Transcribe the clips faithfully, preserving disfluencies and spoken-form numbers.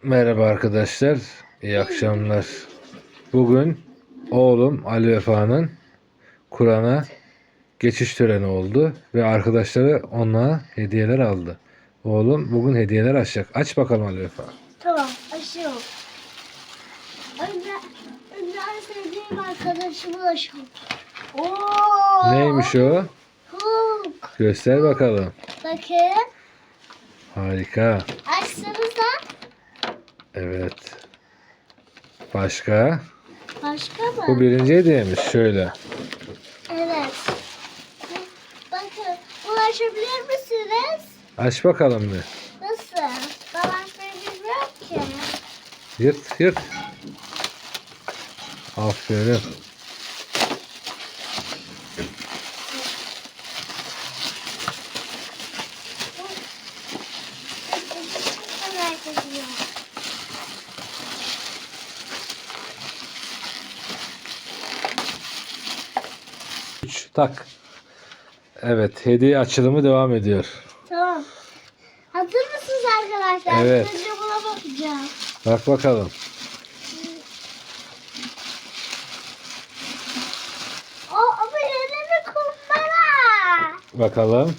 Merhaba arkadaşlar, iyi akşamlar. Bugün oğlum Ali Vefa'nın Kur'an'a geçiş töreni oldu ve arkadaşları ona hediyeler aldı. Oğlum bugün hediyeler açacak. Aç bakalım Ali Vefa. Tamam, açıyorum. Önce, önce en sevdiğim arkadaşımı açıyorum. Oo! Neymiş o? Hulk. Göster bakalım. Bakın. Harika. Açsanıza. Evet. Başka? Başka mı? Bu birinci hediyemiz. Şöyle. Evet. Bakın, ulaşabilir misiniz? Aç bakalım bir. Nasıl? Ben açmayı bilmiyorum ki. Yırt yırt. Aferin. Merak ediyorum. Üç, tak. Evet, hediye açılımı devam ediyor. Tamam. Hazır mısınız arkadaşlar? Evet. Önce buna bakacağım. Bak bakalım. O ama yeni bir kumbara. Bakalım.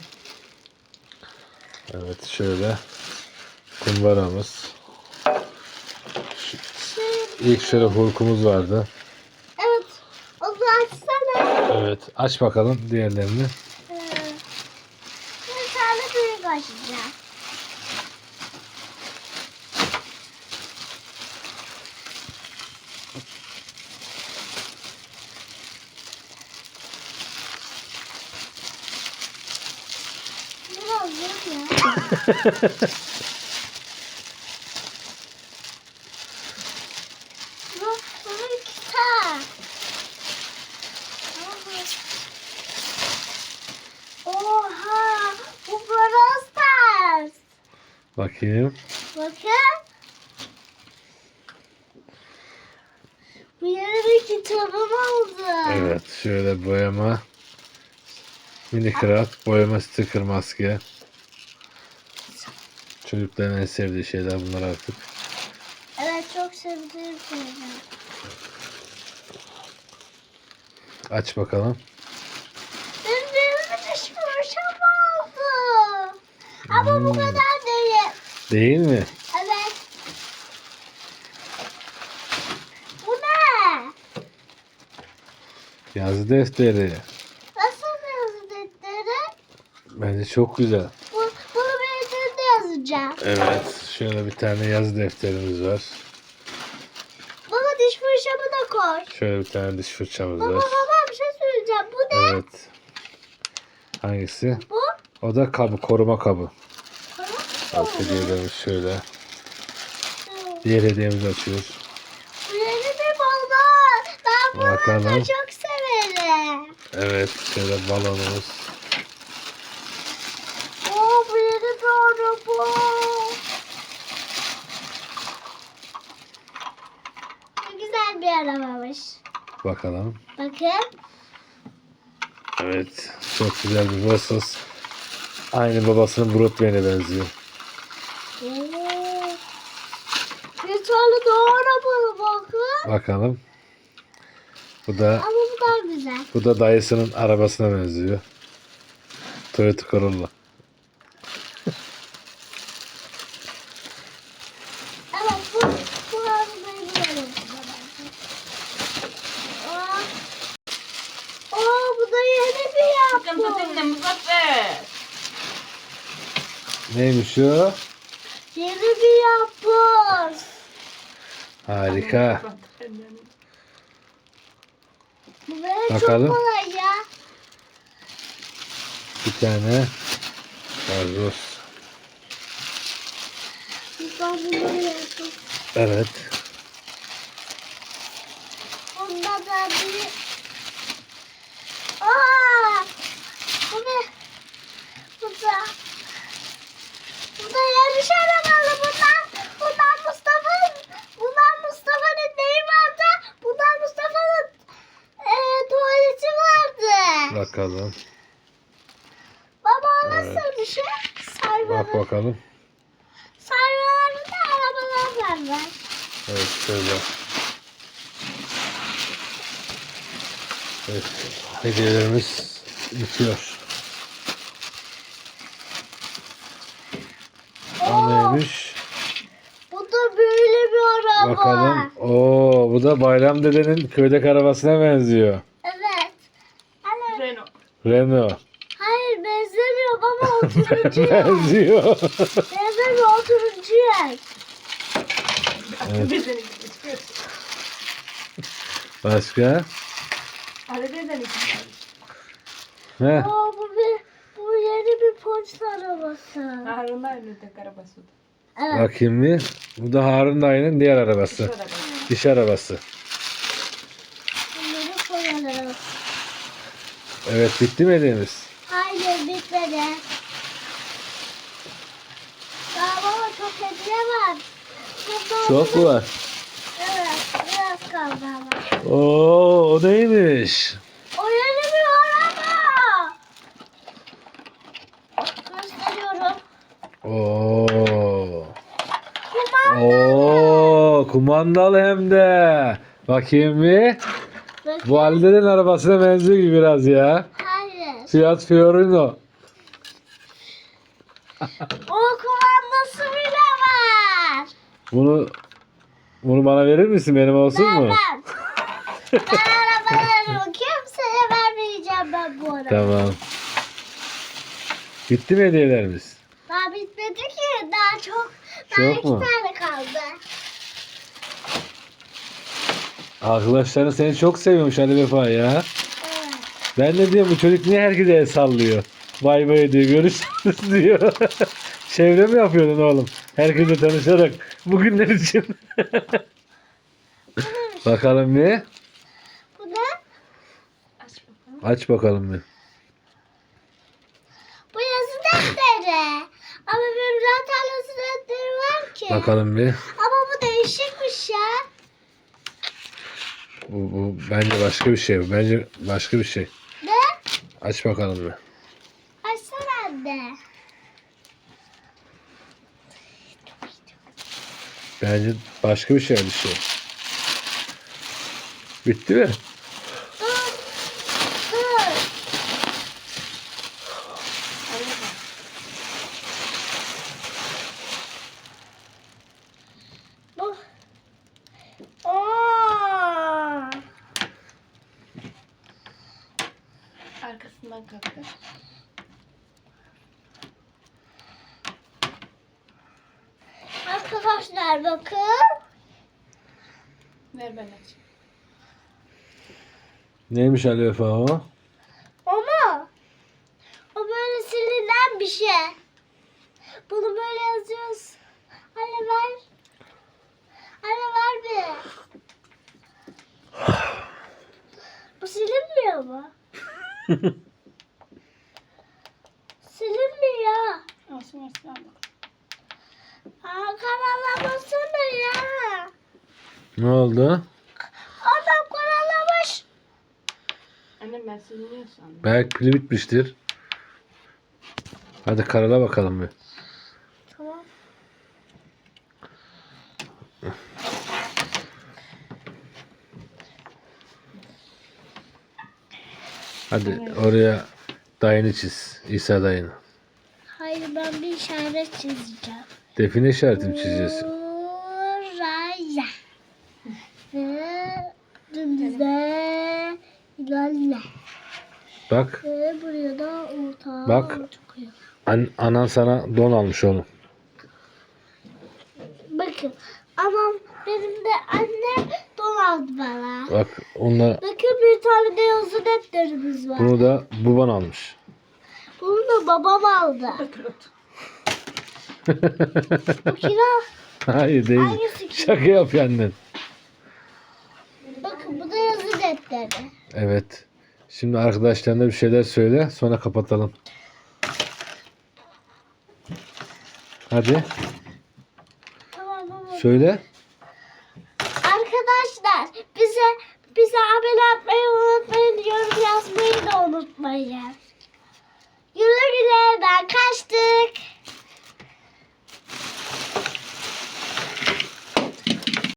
Evet, şöyle kumbaramız. Şu- İlk şöyle hulkumuz vardı. Evet. Onu açsana. Evet, aç bakalım diğerlerini. Ee, bir tane büyük açacağım. Biraz zor ya. Bu, bu bir kitap. Oha! Bu Brawl Stars. Bakayım. Bakın. Bu yeni bir kitabım oldu. Evet, şöyle boyama. Minecraft boyama sticker maske. Çocukların en sevdiği şeyler bunlar artık. Evet, çok sevdiğim şeyler. Aç bakalım. Benim benim bir diş fırçam oldu. Ama bu Hmm. kadar değil. Değil mi? Evet. Bu ne? Yazı defteri. Nasıl yazı defteri? Bence çok güzel. Bu, bunu bir üzerinde yazacağım. Evet, şöyle bir tane yazı defterimiz var. Baba diş fırçamı da koy. Şöyle bir tane diş fırçamız Baba var. baba bir şey söyleyeceğim. Bu ne? Evet. Hangisi? Bu? O da kabı, koruma kabı. Tamam. Alt hediyelerimiz şöyle. Diğer hediyemizi açıyoruz. Bu yeni bir balon. Ben bunu Bakalım. da çok severim. Evet, şöyle balonumuz. Oo, bu yeni bir araba. Ne güzel bir arabamış. Bakalım. Bakın. Evet, çok güzel bir Vosos. Aynı babasının Broadway'ine benziyor. Oo. Bir tane daha araba bakın. Bakalım. Bu da Ama bu daha güzel. bu da dayısının arabasına benziyor. Toyota Corolla. Evet, bu, bu arabayı bulalım. Aa, aa, bu da yeni bir Bakın yapı. bakın ne Muzaffer. Neymiş o? Yeni bir yapı. Harika. Bu böyle Bakalım. çok kolay ya. Bir tane gazoz. Ben bunları yaptım. Evet. Bunda da bir... Aa! Bu ne? Bu da... Bu da yarış arabalı. Bundan, bundan Mustafa'nın... Bundan Mustafa'nın neyi vardı? Bundan Mustafa'nın e, tuvaleti vardı. Bakalım. Baba o nasıl Evet. bir şey? Bak Sayfaları. bakalım. Sayfalarında arabalar var ver. Evet şöyle. Evet. Hediyelerimiz bitiyor. O Oo, neymiş? bu da böyle bir araba. Bakalım. Oo, bu da Bayram Dede'nin köydeki arabasına benziyor. Evet. Hani, Renault. Renault. hayır benzemiyor baba o turuncu yer. Benziyor. Benzemiyor o turuncu yer. Evet. Bizden iki çıkıyor. Başka? Ali bizden iki çıkıyor. Heh. Aa, bu bir bu yeni bir polis arabası. Harun'da aynı tek arabası. Evet. Bakayım bir. Bu da Harun dayının diğer İş arabası. arabası. İş arabası. Bunları koyalım. Evet bitti mi hediyemiz? Hayır bitmedi. Daha baba çok hediye var. Çok, Çok mu var? Evet biraz kaldı ama. Oo, o neymiş? O yeni bir araba. Gösteriyorum. Oo. Kumanda. Oo, kumandalı hem de. Bakayım bir. Bakın. Bu Ali'nin arabasına benziyor gibi biraz ya. Hayır. Fiat Fiorino. O kumandası bile var. Bunu bunu bana verir misin? Benim olsun mu? Vermem. Ben arabaları kimseye vermeyeceğim ben bu araba. Tamam. Bitti mi hediyelerimiz? Daha bitmedi ki. Daha çok. Daha Çok iki mu? tane kaldı. Arkadaşların seni çok seviyormuş Ali Vefa ya. Evet. Ben de diyorum bu çocuk niye herkese el sallıyor? Bay bay diyor, görüşürüz diyor. Çevre mi yapıyordun oğlum? Herkese tanışarak bugünler için. Bakalım bir. Bu ne? Aç bakalım. Aç bakalım bir. Bu yazı defteri. Ama benim zaten yazı defteri var ki. Bakalım bir. Ama bu değişikmiş ya. Bu, bu bence başka bir şey. Bu bence başka bir şey. Ne? Aç bakalım bir. Açsana anne. Bence başka bir şey bir şey. Bitti mi? Dur. Dur. Ali bakalım. Bu. Oo. Arkasından kalktı. Arkadaşlar bakın. Ver ben açayım. Neymiş Ali Vefa o? O mu? O böyle silinen bir şey. Bunu böyle yazıyoruz. Anne ver. Anne ver bir. Bu silinmiyor mu? Silinmiyor. Olsun versin al bakalım. Aa, karalamasana ya. Ne oldu? Adam karalamış. Annem ben siliniyor sandım. Belki pili bitmiştir. Hadi karala bakalım bir. Tamam. Hadi oraya dayını çiz. İsa dayını. Hayır ben bir işaret çizeceğim. Define işareti mi çizeceksin? Buraya. Ve dümdüze ilerle. Bak. Ve buraya da orta Bak. çıkıyor. An anan sana don almış oğlum. Bakın. Ama benim de annem don aldı bana. Bak onunla Bakın bir tane de yazı defterimiz var. bunu da baban almış. Bunu da babam aldı. Bu kira. Hayır değil. Hangisi ki? Şaka yapıyor annen. Bakın bu da yazı defteri. Evet. Şimdi arkadaşlarına bir şeyler söyle. Sonra kapatalım. Hadi. Tamam baba. Söyle. Arkadaşlar bize bize abone olmayı unutmayın. Yorum yazmayı da unutmayın. Güle güle ben kaçtık.